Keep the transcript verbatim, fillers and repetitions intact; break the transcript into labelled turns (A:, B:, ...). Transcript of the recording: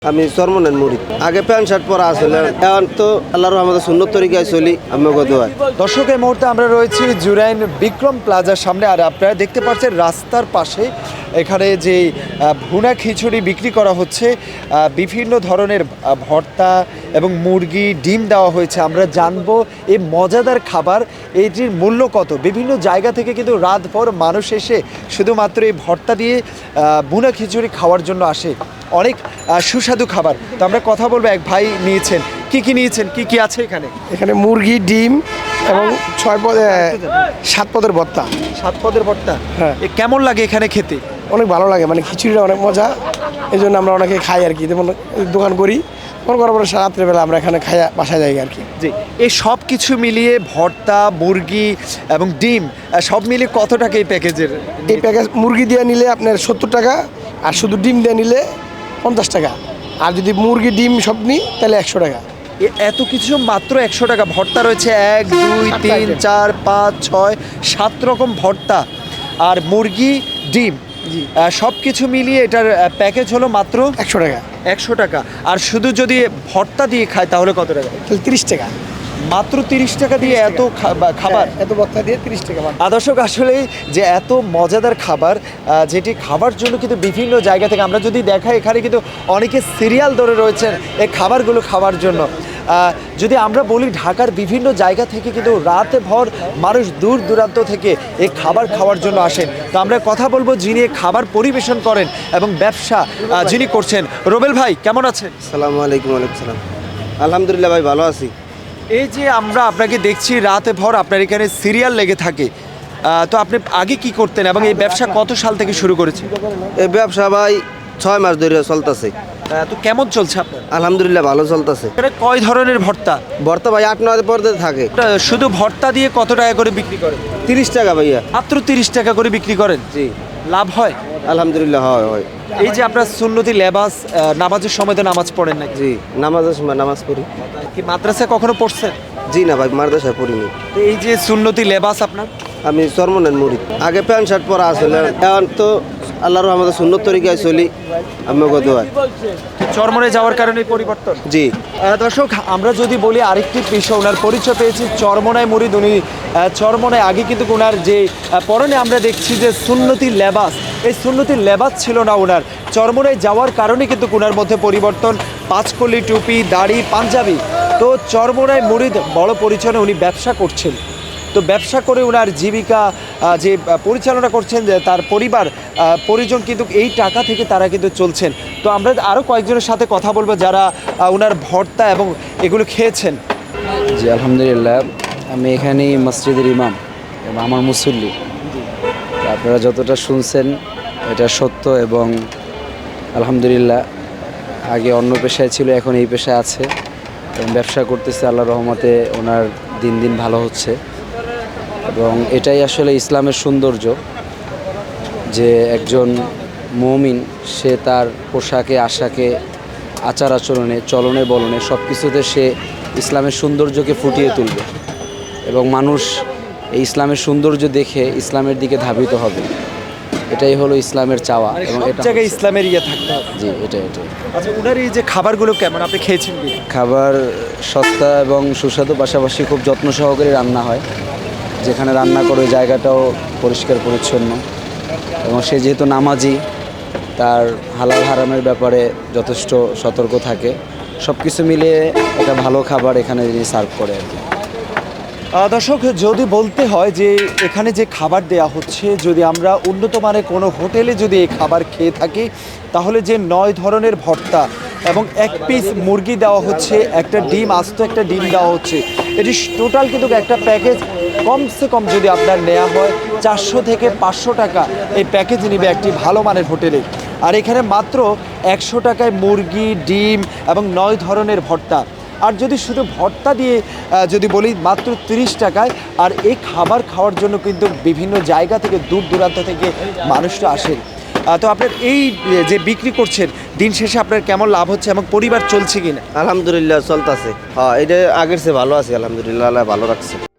A: আমি চরমনের মুরিদ। আগে প্যান্ট শার্ট পরা আসলে, এখন তো আল্লাহর রহমতে সুন্নত তরিকায় চলি। আমি কত হয়
B: দর্শক, এই মুহূর্তে আমরা রয়েছি জুরাইন বিক্রম প্লাজার সামনে। আর আপনারা দেখতে পাচ্ছেন রাস্তার পাশে এখানে যে ভুনা খিচুড়ি বিক্রি করা হচ্ছে, বিভিন্ন ধরনের ভর্তা এবং মুরগি ডিম দেওয়া হয়েছে। আমরা জানবো এই মজাদার খাবার এইটির মূল্য কত। বিভিন্ন জায়গা থেকে কিন্তু রাতভর মানুষ এসে শুধুমাত্র এই ভর্তা দিয়ে ভুনা খিচুড়ি খাওয়ার জন্য আসে। অনেক সুস্বাদু খাবার। তো আমরা কথা বলবো, এক ভাই নিয়েছেন, কি কি নিয়েছেন, কি কি আছে এখানে?
C: এখানে মুরগি, ডিম এবং ছয় পদে সাত পদের ভর্তা।
B: সাত পদের ভর্তা,
C: হ্যাঁ।
B: এ কেমন লাগে এখানে খেতে?
C: অনেক ভালো লাগে, মানে খিচুড়িটা অনেক মজা, এই জন্য আমরা অনেকে খাই আর কি। যেমন দোকান করি, মনে করার পরে রাত্রেবেলা আমরা এখানে খাই, বাসায় যাই আর কি।
B: জি, এই সব কিছু মিলিয়ে ভর্তা, মুরগি এবং ডিম সব মিলিয়ে কত টাকা এই প্যাকেজের?
C: এই প্যাকেজ মুরগি দিয়ে নিলে আপনার সত্তর টাকা, আর শুধু ডিম দিয়ে নিলে পঞ্চাশ টাকা। আর যদি মুরগি ডিম সব নিই তাহলে একশো টাকা।
B: এত কিছু মাত্র একশো টাকা। ভর্তা রয়েছে এক দুই তিন চার পাঁচ ছয় সাত রকম ভর্তা, আর মুরগি, ডিম সব কিছু মিলিয়ে এটার প্যাকেজ হলো মাত্র
C: একশো টাকা।
B: একশো টাকা। আর শুধু যদি ভর্তা দিয়ে খায় তাহলে কত টাকা?
C: তাহলে তিরিশ টাকা।
B: মাত্র তিরিশ টাকা দিয়ে এত খাবার,
C: এত ভর্তা দিয়ে তিরিশ টাকা।
B: দর্শক, আসলে যে এত মজাদার খাবার, যেটি খাবার জন্য কিন্তু বিভিন্ন জায়গা থেকে আমরা যদি দেখাই, এখানে কিন্তু অনেকে সিরিয়াল ধরে রয়েছেন এই খাবারগুলো খাওয়ার জন্য। যদি আমরা বলি, ঢাকার বিভিন্ন জায়গা থেকে কিন্তু রাতে ভর মানুষ দূর দূরান্ত থেকে এই খাবার খাওয়ার জন্য আসেন। তো আমরা কথা বলবো যিনি খাবার পরিবেশন করেন এবং ব্যবসা যিনি করছেন। রোবেল ভাই, কেমন আছেন?
A: সালামু আলাইকুম। ওয়ালাইকুম সালাম। আলহামদুলিল্লাহ ভাই, ভালো আছি।
B: এই যে আমরা আপনাকে দেখছি রাতে ভর আপনার এখানে সিরিয়াল লেগে থাকে, তো আপনি আগে কি করতেন এবং এই ব্যবসা কত সাল থেকে শুরু করেছেন?
A: এই ব্যবসা ভাই ছয় মাস ধরে চলতেছে।
B: তো কেমন চলছে আপনার?
A: আলহামদুলিল্লাহ ভালো চলতেছে।
B: এখানে কয় ধরনের ভর্তা?
A: ভর্তা ভাই আট নয় পর্যায়ে থাকে।
B: শুধু ভর্তা দিয়ে কত টাকা করে বিক্রি করেন?
A: তিরিশ টাকা ভাইয়া।
B: মাত্র তিরিশ টাকা করে বিক্রি করেন?
A: জি।
B: লাভ হয়?
A: আলহামদুলিল্লাহ হয় হয়।
B: এই যে আপনার সুন্নতি লেবাস, নামাজের সময় তো নামাজ পড়েন না?
A: জি, নামাজের সময় নামাজ পড়ি।
B: কি মাদ্রাসায় কখনো পড়ছেন?
A: জি না ভাই, মাদ্রাসায় পড়িনি।
B: তো এই যে সুন্নতি লেবাস আপনার?
A: আমি চরমনের মুরিদ। আগে প্যান্ট শার্ট পরা আসলে, এখন তো আল্লাহর রহমতে সুন্নত তরিকায় চলি। আমি কত হয়
B: চরমনে যাওয়ার কারণে পরিবর্তন।
A: জি।
B: দর্শক, আমরা যদি বলি আরেকটি পেশা, ওনার পরিচয় পেয়েছি চরমনায় মুরিদ। উনি চরমনায় আগে কিন্তু ওনার যে পরনে আমরা দেখছি যে সুন্নতি লেবাস, এই সুন্নতি লেবাস ছিল না ওনার। চরমনায় যাওয়ার কারণে কিন্তু ওনার মধ্যে পরিবর্তন। পাঁচকলি, টুপি, দাড়ি, পাঞ্জাবি। তো চরমনায় মুরিদ বড় পরিচয়ে উনি ব্যবসা করছেন। তো ব্যবসা করে ওনার জীবিকা যে পরিচালনা করছেন, যে তার পরিবার পরিজন কিন্তু এই টাকা থেকে তারা কিন্তু চলছেন। তো আমরা আরও কয়েকজনের সাথে কথা বলবো যারা ওনার ভর্তা এবং এগুলো খেয়েছেন।
D: জি আলহামদুলিল্লাহ, আমি এখানেই মসজিদের ইমাম এবং আমার মুসল্লি। আপনারা যতটা শুনছেন এটা সত্য, এবং আলহামদুলিল্লাহ আগে অন্য পেশায় ছিল, এখন এই পেশায় আছে এবং ব্যবসা করতেছে। আল্লাহর রহমতে ওনার দিন দিন ভালো হচ্ছে, এবং এটাই আসলে ইসলামের সৌন্দর্য যে একজন মুমিন সে তার পোশাকে, আশাকে, আচার আচরণে, চলনে বলনে সব কিছুতে সে ইসলামের সৌন্দর্যকে ফুটিয়ে তুলবে, এবং মানুষ এই ইসলামের সৌন্দর্য দেখে ইসলামের দিকে ধাবিত হবে। এটাই হলো ইসলামের চাওয়া, এবং এটা
B: জায়গায় ইসলামের ইয়ে থাকতে হবে।
D: জি, এটা এটাই।
B: আচ্ছা, ওনার এই যে খাবারগুলো কেমন, আপনি খেয়েছেন কি?
D: খাবার সস্তা এবং সুস্বাদু, পাশাপাশি খুব যত্ন সহকারে রান্না হয়। যেখানে রান্না করে জায়গাটাও পরিষ্কার পরিচ্ছন্ন, এবং সে যেহেতু নামাজি, তার হালাল হারামের ব্যাপারে যথেষ্ট সতর্ক থাকে। সব কিছু মিলিয়ে একটা ভালো খাবার এখানে যিনি সার্ভ করে আর কি।
B: দর্শক, যদি বলতে হয় যে এখানে যে খাবার দেয়া হচ্ছে, যদি আমরা উন্নত মানের কোনো হোটেলে যদি এই খাবার খেয়ে থাকি, তাহলে যে নয় ধরনের ভর্তা এবং এক পিস মুরগি দেওয়া হচ্ছে, একটা ডিম, আস্ত একটা ডিম দেওয়া হচ্ছে, এটি টোটাল কিন্তু একটা প্যাকেজ কমসে কম যদি আপনার নেওয়া হয় চারশো থেকে পাঁচশো টাকা এই প্যাকেজ নেবে একটি ভালো মানের হোটেলে। আর এখানে মাত্র একশো টাকায় মুরগি, ডিম এবং নয় ধরনের ভর্তা। আর যদি শুধু ভর্তা দিয়ে যদি বলি, মাত্র তিরিশ টাকায়। আর এই খাবার খাওয়ার জন্য কিন্তু বিভিন্ন জায়গা থেকে, দূর দূরান্ত থেকে মানুষরা আসেন। তো আপনার এই যে বিক্রি করছেন, দিন শেষে আপনার কেমন লাভ হচ্ছে এবং পরিবার চলছে কিনা?
A: আলহামদুলিল্লাহ চলতেছে। হ্যাঁ, এটা আগের চেয়ে ভালো আছে। আলহামদুলিল্লাহ, ভালো রাখছে।